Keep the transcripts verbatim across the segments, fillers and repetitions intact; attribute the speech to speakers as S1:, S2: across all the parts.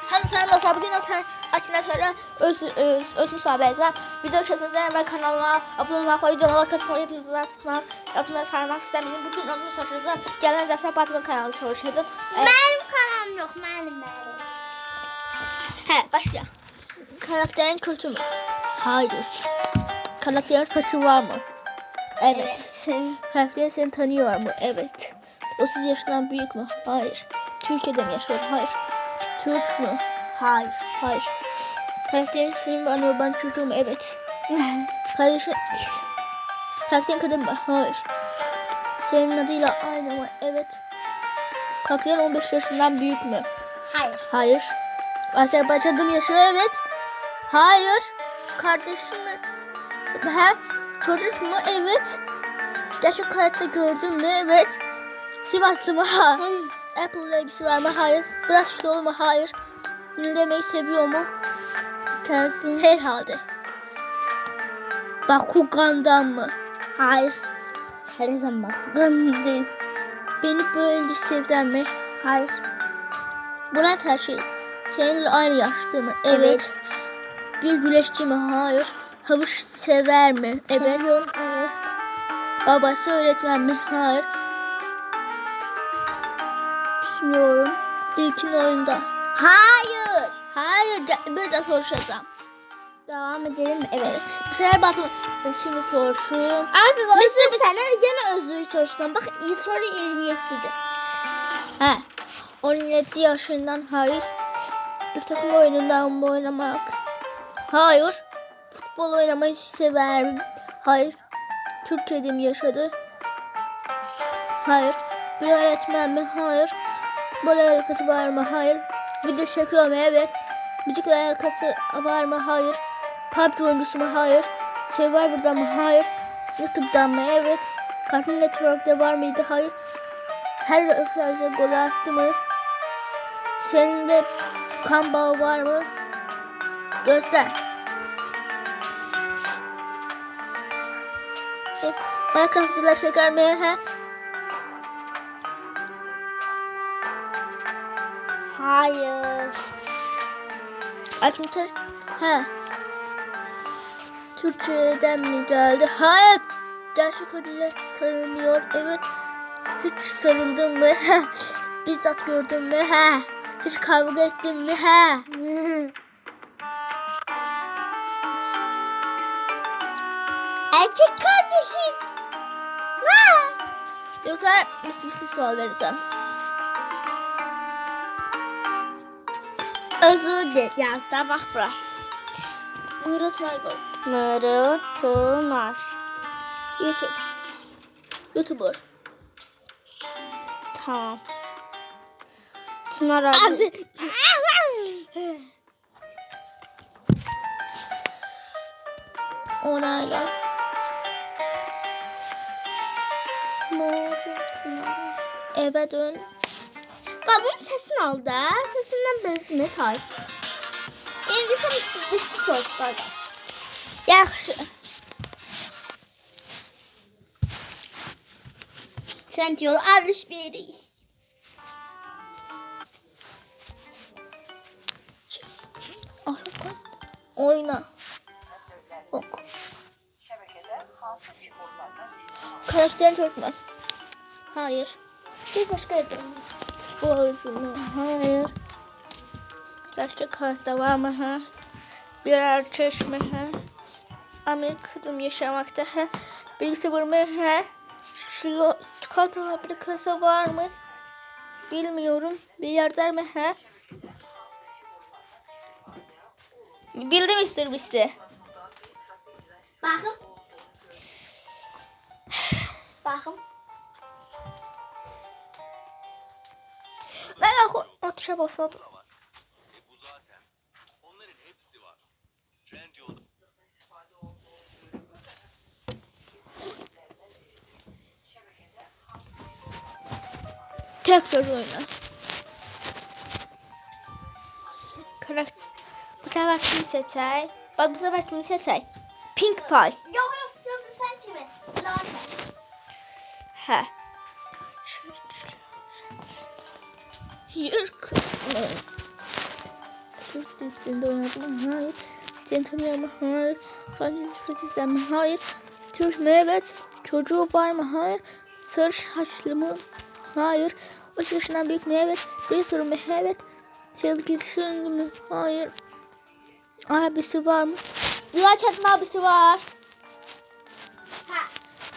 S1: Hadi sen dostlar, bugün oturan açından sonra öz, öz, öz müsabeğizler. Video çekmeden ve kanalıma abone olmak ve videolara katılmayı yapımcılar tutmak, yapımcılar çağırmak istemedim. Bugün onu soruşturdım. Gelen defter Batman kanalı soruşturdum.
S2: Evet. Benim kanalım yok, benim benim.
S1: He, başlayalım. Karakterin kötü mü? Hayır. Karakterin saçı var mı? Evet.
S2: Evet.
S1: Karakterin seni tanıyor mu? Evet. otuz yaşından büyük mü? Hayır. Türkiye'de mi yaşıyor? Hayır. Türk mü? Hayır. Hayır. Karakterin senin ve anne baban çocuğu mu? Evet. Kardeşin... Karakterin kadın mı? Hayır. Senin adıyla aynı mı? Evet. Karakterin on beş yaşından büyük mü?
S2: Hayır.
S1: Hayır. Azerbaycan'da mı yaşıyor? Evet. Hayır. Kardeşin mi? He? Çocuk mu? Evet. Gerçek hayatta gördün mü? Evet. Sivaslı mı? Hayır. Apple ile ilgisi var mı? Hayır. Biraz kilolu mu? Hayır. Dinlemeyi seviyor mu?
S2: Karakterin.
S1: Herhalde. Bakugan'dan mı?
S2: Hayır. Her zaman bak.
S1: Bakugan değil. Beni böyle sevden mi?
S2: Hayır.
S1: Buna her şey. Seninle aynı yaşta mı? Evet.
S2: Evet.
S1: Bir güreşçi mi? Hayır. Havuç sever mi? Evet.
S2: Seviyorum. Evet.
S1: Babası öğretmen mi? Hayır. Düşünüyorum. İlkin oyunda.
S2: Hayır.
S1: Hayır. Bir de soruşacağım.
S2: Devam edelim mi? Evet.
S1: Bu sefer Batman. Şimdi soruşum.
S2: Abi Mister bir tane gene özlüğü soruştum. Bak iyi soru yirmi yedi'de.
S1: He. on yedi yaşından hayır. Bir takım oyunundan mı oynamak? Hayır. Futbol oynamayı sever mi? Hayır. Türkiye'de mi yaşadı? Hayır. Bir öğretmen mi? Hayır. Futbolla alakası var mı? Hayır. Video çekiyor mu? Evet. Müzikle alakası var mı? Hayır. P U B G oyuncusu mu? Hayır. Survivor'dan mı? Hayır. YouTube'dan mı? Evet. Cartoon Network'te var mıydı? Hayır. Her röportajda gol attı mı? Seninle kan bağı var mı? Göster. Evet. Minecraft'ta şeker mi? He?
S2: Hayır.
S1: Açmışlar. He. Türkçe'den mi geldi? Hayır. Gerçek adıyla tanınıyor. Evet. Hiç sarıldın mı? He. Bizzat gördün mü? He. Hiç kavga ettin mi? He.
S2: Erkek kardeşim. Ne?
S1: Yoksa bir bir sual vereceğim.
S2: Özür dilerim. Yazda bak bura.
S1: Buyurun Margot.
S2: Mırıltınar.
S1: YouTube. YouTuber.
S2: Tamam. Çınar ağzı.
S1: Onayla.
S2: Mırıltınar.
S1: Eve dön.
S2: Babamın sesini al da. Sesinden bezme tay. İngilizce misli misli soruşlar.
S1: Yaxşı.
S2: Sen diyor alışveriş.
S1: Oyna. Ok. Karakterin Türkmen. Hayır. Bir başka yerde. Futbolcu mu? Hayır. Gerçek hayatta var mı? Ha? Bir erkek mi? Ha? Amerika'da mı yaşamakta? Ha? Birlikte var mı? Ha? Şilo, çikolata fabrikası var mı? Bilmiyorum. Bir yerde mi? Ha? Bildim ister misin?
S2: Bakın. Bakın.
S1: Ben o tuşa basmadım.
S3: Bu zaten onların hepsi var. Trendyol'da
S1: Tekrar oyna. Karakter. Bu sefer kimi seçey? Bak bu sefer kimi seçey? Pink Pie.
S2: Yok yok yok sen kimi? Zaten.
S1: He. Yürk. dizisinde oynadım mı? Hayır. Seni tanıyorum mu? Hayır. Hangi dizi izler mi? Hayır. Türk mü? Evet. Çocuğu var mı? Hayır. Sarı saçlı mı? Hayır. O yaşından büyük mü? Evet. Bir soru mu? Evet. Sevgilisi mi? Hayır. Abisi var mı? Güzel Çetin abisi var.
S2: Ha.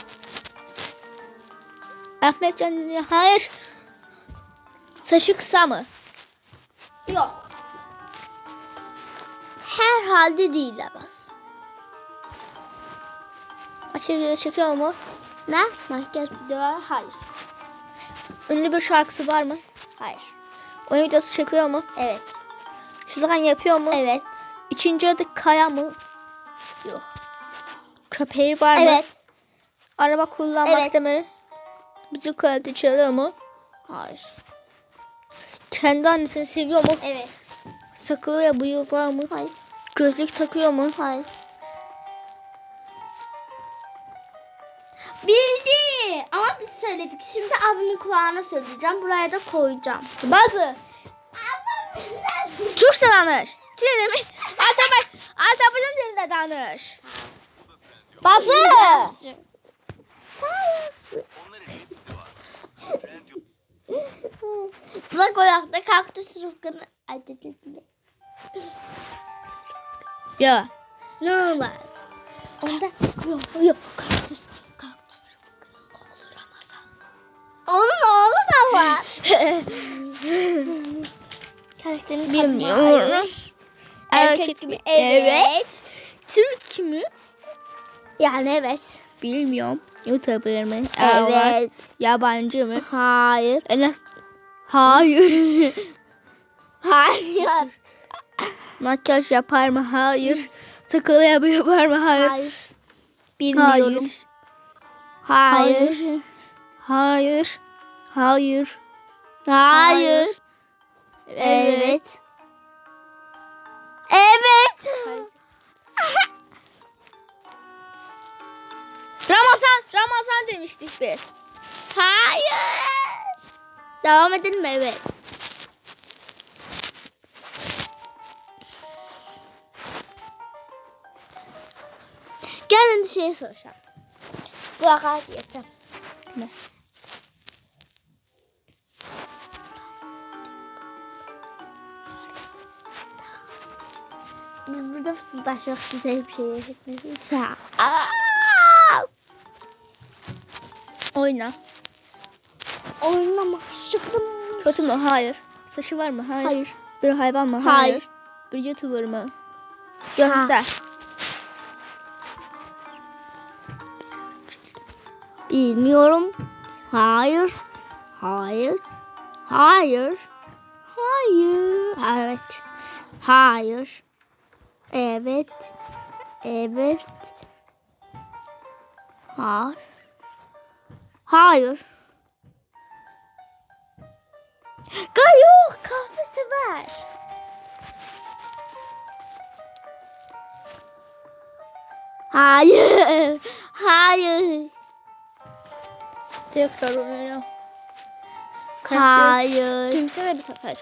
S1: Ahmet Can hayır. Saçı kısa mı?
S2: Yok. Herhalde değil Abbas.
S1: Açık video çekiyor mu?
S2: Ne? Makyaj videoları? Hayır.
S1: Ünlü bir şarkısı var mı?
S2: Hayır.
S1: Oyun videosu çekiyor mu?
S2: Evet.
S1: Şu zaman yapıyor mu?
S2: Evet.
S1: İkinci adı Kaya mı?
S2: Yok.
S1: Köpeği var mı?
S2: Evet.
S1: Araba kullanmakta
S2: Evet.
S1: mı? Müzik aleti çalıyor mu?
S2: Hayır.
S1: Kendi annesini seviyor mu?
S2: Evet.
S1: Sakalı ve bıyığı var mı?
S2: Hayır.
S1: Gözlük takıyor mu?
S2: Hayır. Bildi. Ama biz söyledik. Şimdi abimin kulağına söyleyeceğim. Buraya da koyacağım.
S1: Bazı. Çok danış. Ne demek? Azerbaycan Azerbaycan dilinde danış. Bazı.
S3: Onların hepsi var. Trendyol
S2: Bırak o yakta kaktüs rıfkını. Ay dedim mi?
S1: Ya.
S2: Ne olur? Onda
S1: Yok yok. Kaktüs. Kaktüs rıfkının oğlu Ramazan.
S2: onun oğlu da var.
S1: Karakterini
S2: Bilmiyorum.
S1: Erkek mi? Evet. Türk mü?
S2: Yani evet.
S1: Bilmiyorum. YouTuber mı?
S2: Evet.
S1: Yabancı mı?
S2: Hayır.
S1: En hayır.
S2: Hayır.
S1: Makyaj yapar mı? Hayır. Sakalı yapar mı? Hayır.
S2: Hayır. Bilmiyorum.
S1: Hayır.
S2: Hayır.
S1: Hayır. Hayır.
S2: Hayır. Evet. Evet.
S1: Ramazan. Ramazan demiştik biz.
S2: Hayır. Devam edelim mi? Evet. Gel ben de şey soracağım. Bu akar yeter.
S1: Ne?
S2: Biz burada fısıldaşmak güzel bir şey yaşatmıyoruz.
S1: Oyna.
S2: Oynamak çıktım.
S1: Kötü mü? Hayır. Saçı var mı? Hayır.
S2: Hayır.
S1: Bir hayvan mı?
S2: Hayır.
S1: Bir YouTuber mı? Göster.
S2: Bilmiyorum. Hayır. Hayır. Hayır. Hayır. Evet. Hayır. Evet. Evet. Hayır. Hayır. Yok. Kahvesi var. Hayır. Hayır.
S1: Tekrar oyna.
S2: Hayır.
S1: Kimse bir sefer.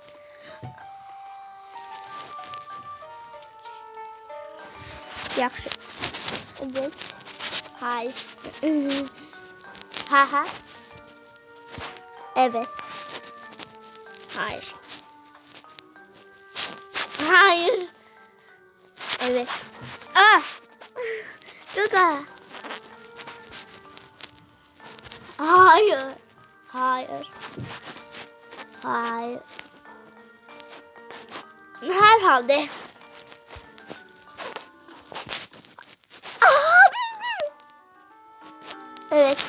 S1: Yaxşı.
S2: Evet. Hayır. Ha ha. Evet. Hayır. Hayır. Evet.
S1: Ah!
S2: Gaga. Hayır. Hayır. Hayır. Herhalde. Aa, bildim. Evet.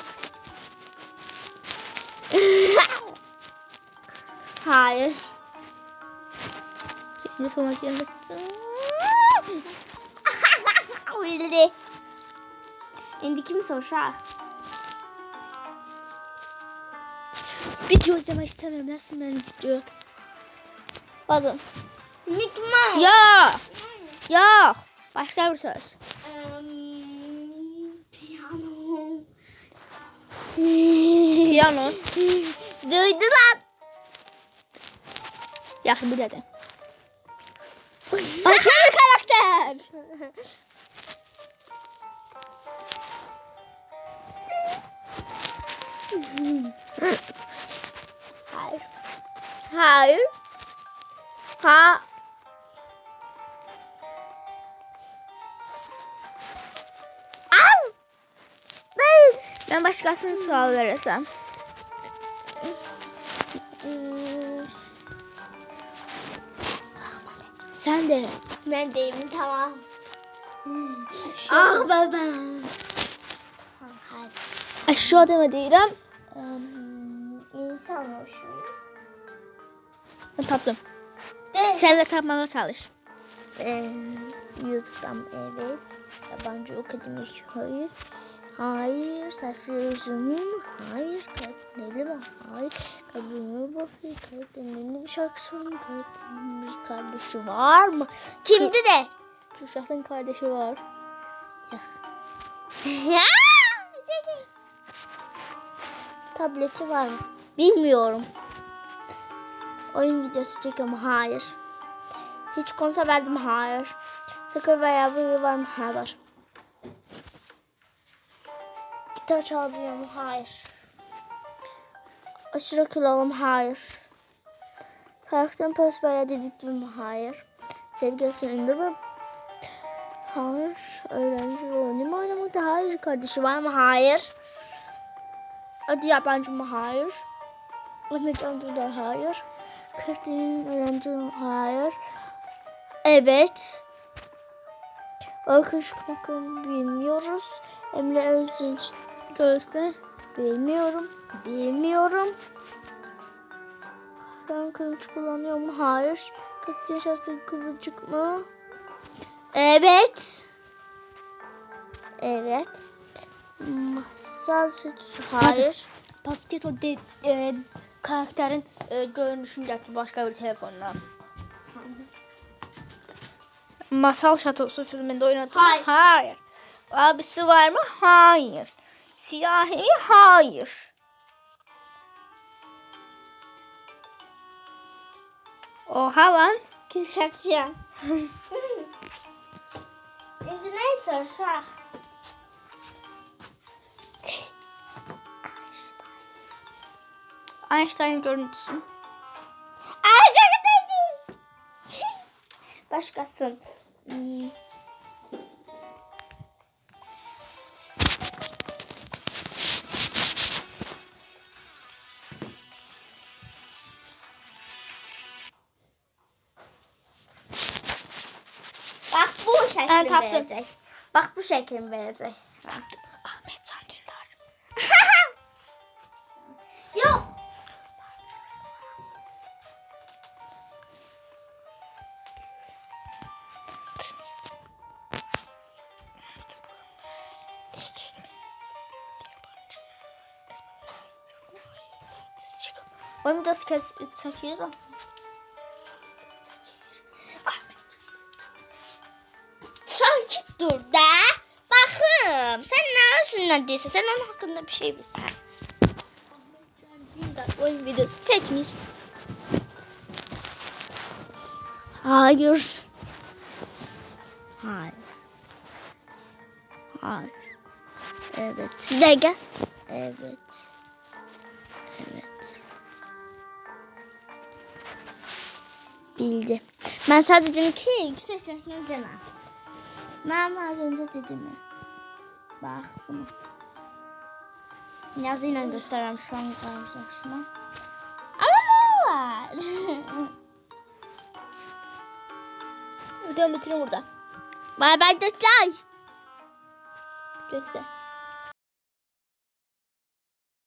S2: Hayır.
S1: Şimdi sonrasında
S2: Bildi. Şimdi kim sorar?
S1: video izlemek istemiyorum. Nasıl ben video? Bakın.
S2: Mickey Mouse.
S1: Ya. Yok. Başka bir söz.
S2: Em, piyano.
S1: Piyano.
S2: Duydu lan.
S1: Yaxşı bir de. Başka bir karakter.
S2: Hayır.
S1: Hayır. Ha.
S2: Al. Değil.
S1: Ben başkasına sual vereceğim.
S2: Hmm,
S1: Sen de.
S2: ben değilim tamam.
S1: Ah
S2: baba. Hayır.
S1: Aşağı mı değilim?
S2: Um, insan o şu.
S1: Ben tapdım.
S2: De.
S1: Sen de tapmaya çalış.
S2: Ee, YouTube'dan evet. Yabancı akademik hayır. Hayır. Saçlı uzunum. Hayır. Karakterli mi? Hayır. Kadınlı bakıyor. Karakterli bir şarkı söylüyor. Karakterli bir kardeşi var mı? Kimdi de?
S1: Kürşat'ın kardeşi var.
S2: Ya. Tableti var mı? Bilmiyorum. Oyun videosu çekiyorum. Hayır. Hiç konser verdim. Hayır. Sakın veya bıyığı var mı? Hayır var. Gitar çalabiliyor mu? Hayır. Aşırı kilolum? Hayır. Karakterin post veya dediktim mi? Hayır. Sevgilisi ünlü mü? Hayır. Öğrenci rolünü mü oynamakta? Hayır. Kardeşi var mı? Hayır. Adı yabancı mı? Hayır. Ahmet Anadolu'da hayır. Karakterin öğrenci mi? Hayır. Evet. Arkadaş bakalım bilmiyoruz. Emre Özünç
S1: Gözde.
S2: bilmiyorum. Bilmiyorum. Ben kılıç kullanıyor mu? Hayır. kırk yaş altı kıvırcık mı? Evet. Evet. Masal sütüsü. Hayır.
S1: Basket o de, e, karakterin e, görünüşünü getir başka bir telefondan. Masal Şatosu filminde oynadı mı?
S2: Hayır.
S1: Hayır. Abisi var mı? Hayır. Siyahi? Hayır. Oha lan.
S2: Kişatacağım. Şimdi neyse şah.
S1: Einstein görüntüsü.
S2: Ay dedim. Başkasın. Hmm. Bak bu şekil
S1: Ben taptım.
S2: verecek. Bak bu şekil verecek.
S1: Ahmet Can Dündar.
S2: Yok.
S1: Onu da kes çekiyorum.
S2: Sakit dur da. Bakın. Sen ne özünden değilse sen onun hakkında bir şey bilsen.
S1: Dündar oyun videosu çekmiş.
S2: Hayır. Hayır. Hayır. Evet. Bir dakika. Evet. Evet. Bildi. Ben sadece dedim ki yüksek sesle deme. Ben az önce dedim mi? Bak bunu. Yazıyla göstereyim şu an karşıma. Ama ne var?
S1: Videomu bitirin burada.
S2: Bay bay dostlar.
S1: Göster.